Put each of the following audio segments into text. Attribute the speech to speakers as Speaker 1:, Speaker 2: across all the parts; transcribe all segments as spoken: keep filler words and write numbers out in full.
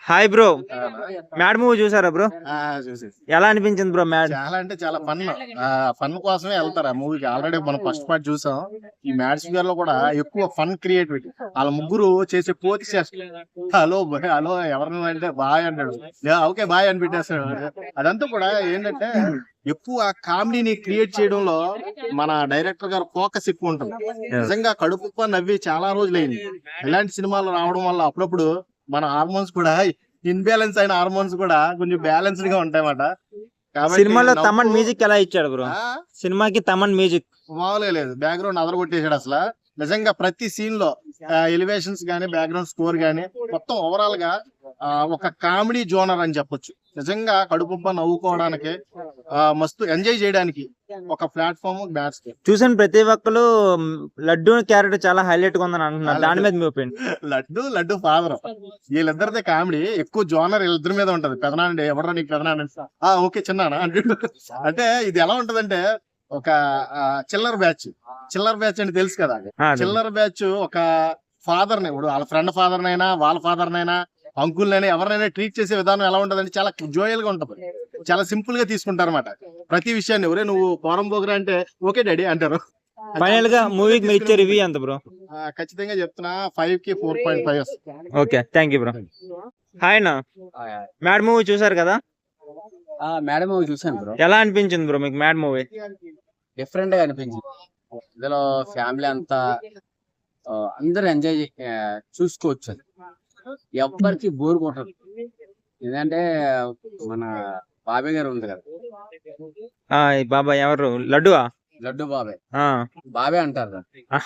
Speaker 1: Hi bro, mad movie చూసారా bro?
Speaker 2: చూసి
Speaker 1: ఎలా అనిపించింది బ్రో మ్యాడ్?
Speaker 2: చాలా అంటే చాలా ఫన్. ఫన్ కోసమే వెళ్తారు ఆ మూవీకి. ఆల్రెడీ మనం ఫస్ట్ పార్ట్ చూసాం. ఈ మ్యాడ్స్ ఫిగర్ లో కూడా ఎక్కువ ఫన్ క్రియేటివిటీ. వాళ్ళ ముగ్గురు చేసే పోతి చేస్తారు. హలో బాయ్, హలో ఎవరిని అంటే బాయ్ అంటాడు, ఓకే బాయ్ అని పెట్టేస్తాడు. అదంతా కూడా ఏంటంటే ఎక్కువ కామెడీని క్రియేట్ చేయడంలో మన డైరెక్టర్ గారు ఫోకస్ ఎక్కువ ఉంటుంది. నిజంగా కడుపు నవ్వి చాలా రోజులైంది. ఇలాంటి సినిమాలు రావడం వల్ల అప్పుడప్పుడు మన హార్మోన్స్ కూడా ఇన్బ్యాలెన్స్ అయిన హార్మోన్స్ కూడా కొంచెం బ్యాలెన్స్డ్ గా ఉంటాయన్నమాట.
Speaker 1: సినిమాలో తమన్ మ్యూజిక్ ఎలా ఇచ్చాడు బ్రో? సినిమాకి తమన్ మ్యూజిక్
Speaker 2: మామూలుగా లేదు, బ్యాక్గ్రౌండ్ అదర కొట్టేసాడు అసలు. నిజంగా ప్రతి సీన్ లో ఎలివేషన్స్ గానీ బ్యాక్గ్రౌండ్ స్కోర్ గానీ మొత్తం ఓవరాల్ గా ఒక కామెడీ జోనర్ అని చెప్పొచ్చు. నిజంగా కడుపుబ్బ నవ్వుకోవడానికి మస్తు ఎంజాయ్ చేయడానికి ఒక ప్లాట్ఫామ్ మ్యాథ్స్.
Speaker 1: చూసాను ప్రతి ఒక్కరు లడ్డు క్యారెక్టర్ చాలా హైలైట్ గా ఉందని అంటున్నారు. దాని మీద మీ ఒపీనియన్?
Speaker 2: లడ్డు లడ్డు ఫాదర్ వీళ్ళిద్దరిదే కామెడీ ఎక్కువ జోనర్ వీళ్ళిద్దరి మీద ఉంటది. పెదనాండి ఎవడో నీకు పెదనాండి, ఆ ఓకే చిన్నానా అంటే. అంటే ఇది ఎలా ఉంటదంటే ఒక చిల్లర్ బ్యాచ్. చిల్లర్ బ్యాచ్ అంటే తెలుసు కదా, చిల్లర్ బ్యాచ్ ఒక ఫాదర్ ని, ఇప్పుడు వాళ్ళ ఫ్రెండ్ ఫాదర్ నైనా వాళ్ళ ఫాదర్ నైనా అంకుల్ నైనా ఎవరినైనా ట్రీట్ చేసే విధానం ఎలా ఉంటదంటే చాలా జోయల్ గా ఉంటది. చాలా సింపుల్ గా తీసుకుంటారు అనమాట ప్రతి విషయాన్ని. ఒరే నువ్వు పోరం పోగరా అంటే ఓకే డాడీ అంటారు.
Speaker 1: ఫైనల్ గా మూవీకి మీరు ఇచ్చే రివ్యూ ఎంత బ్రో?
Speaker 2: ఖచ్చితంగా చెప్తున్నా ఫైవ్ కి four point five.
Speaker 1: Okay, thank you bro. Hi నా, మ్యాడ్ మూవీ చూసారు కదా?
Speaker 3: మ్యాడ్ మూవీ చూసాను బ్రో.
Speaker 1: ఎలా అనిపించింది బ్రో మీకు మ్యాడ్ మూవీ?
Speaker 3: డిఫరెంట్ గా అనిపించింది. ఇందులో ఫ్యామిలీ అంతా అందరూ ఎంజాయ్ చూసుకోవచ్చు. ఎవ్వరికి బోర్ కొట్టదు. ఎందుకంటే మన బాబాయ్ గారు ఉంది కదా,
Speaker 1: బాబాయ్ ఎవరు? లడ్డువా?
Speaker 3: లడ్డు బాబాయ్, బాబాయ్ అంటారు.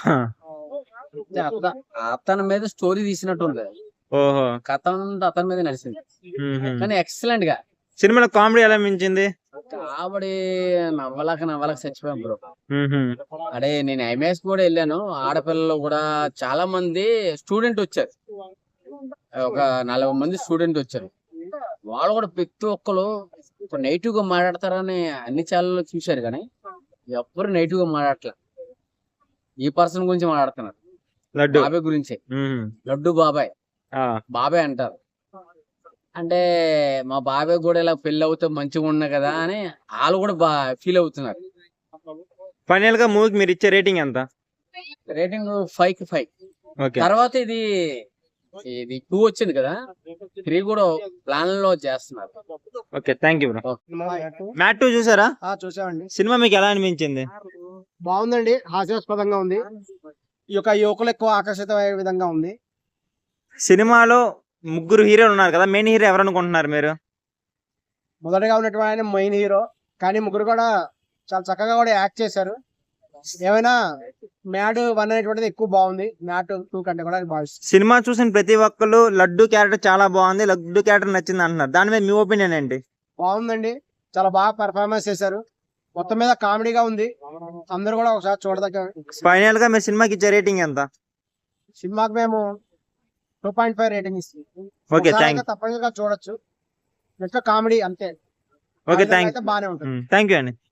Speaker 3: అతని మీద స్టోరీ తీసినట్టు ఉంది.
Speaker 1: ఓహో,
Speaker 3: కథ అంతా అతని మీద నడిచింది. కానీ ఎక్సలెంట్ గా.
Speaker 1: సినిమాలో కామెడీ ఎలా అనిపించింది?
Speaker 3: కాబట్టి నవ్వలేక నవ్వలేక చచ్చిపోయాం బ్రో. అడే నేను ఎంఎస్ కూడా వెళ్ళాను. ఆడపిల్లలు కూడా చాలా మంది స్టూడెంట్ వచ్చారు. ఒక నలభై మంది స్టూడెంట్ వచ్చారు. వాళ్ళు కూడా ప్రతి ఒక్కరు నెగిటివ్ గా మాట్లాడతారని అన్ని ఛానల్లో చూశారు, కానీ ఎవ్వరు నెగిటివ్ గా మాట్లాడట్లే. ఈ పర్సన్ గురించి మాట్లాడుతున్నారు, బాబాయ్ గురించి. లడ్డు బాబాయ్, బాబాయ్ అంటారు. అంటే మా బాబాయ్ కూడా ఇలా పెళ్లి అవుతే మంచిగా ఉన్నా కదా అని వాళ్ళు కూడా బా ఫీల్ అవుతున్నారు.
Speaker 1: ఫైనల్ గా మూవీకి మీరు ఇచ్చే రేటింగ్ ఎంత?
Speaker 3: రేటింగ్ ఫైవ్ కి ఫైవ్. తర్వాత ఇది ఇది టూ వచ్చింది కదా, త్రీ కూడా ప్లాన్ లో చేస్తున్నారు.
Speaker 1: Okay, thank you bro. Mad two చూసారా?
Speaker 4: చూసామండి.
Speaker 1: సినిమా మీకు ఎలా అనిపించింది?
Speaker 4: బాగుందండి, హాస్యాస్పదంగా ఉంది. ఈ యొక్క యువకులు ఎక్కువ ఆకర్షితమయ్యే విధంగా ఉంది.
Speaker 1: సినిమాలో ముగ్గురు హీరోలు ఉన్నారు కదా, మెయిన్ హీరో ఎవరు అనుకుంటున్నారు మీరు?
Speaker 4: మొదటగా ఉన్నటువంటి ఆయన మెయిన్ హీరో, కానీ ముగ్గురు కూడా చాలా చక్కగా కూడా యాక్ట్ చేశారు. ఏమైనా మ్యాడ్ వన్ అనేటువంటిది ఎక్కువ బాగుంది, మ్యాడ్ టూ కంటే కూడా భావిస్తుంది.
Speaker 1: సినిమా చూసిన ప్రతి ఒక్కరు లడ్డు క్యారెక్టర్ చాలా బాగుంది, లడ్డు క్యారెక్టర్ నచ్చింది అంటున్నారు. దాని మీద మీ ఒపీనియన్ ఏంటి?
Speaker 4: బాగుందండి, చాలా బాగా పెర్ఫార్మెన్స్ చేశారు. మొత్తం మీద కామెడీగా ఉంది. అందరూ కూడా ఒకసారి చూడదగ్గ.
Speaker 1: ఫైనల్ గా మీ సినిమాకి ఇచ్చే రేటింగ్ ఎంత?
Speaker 4: సినిమాకి మేము టూ పాయింట్ ఫైవ్ రేటింగ్ ఇస్తుంది.
Speaker 1: Okay, thank you.
Speaker 4: తప్పనిసరిగా చూడొచ్చు. ఇంకా కామెడీ అంతే.
Speaker 1: Okay, thank you.
Speaker 4: బాగానే ఉంటుంది.
Speaker 1: థ్యాంక్ యూ అండి.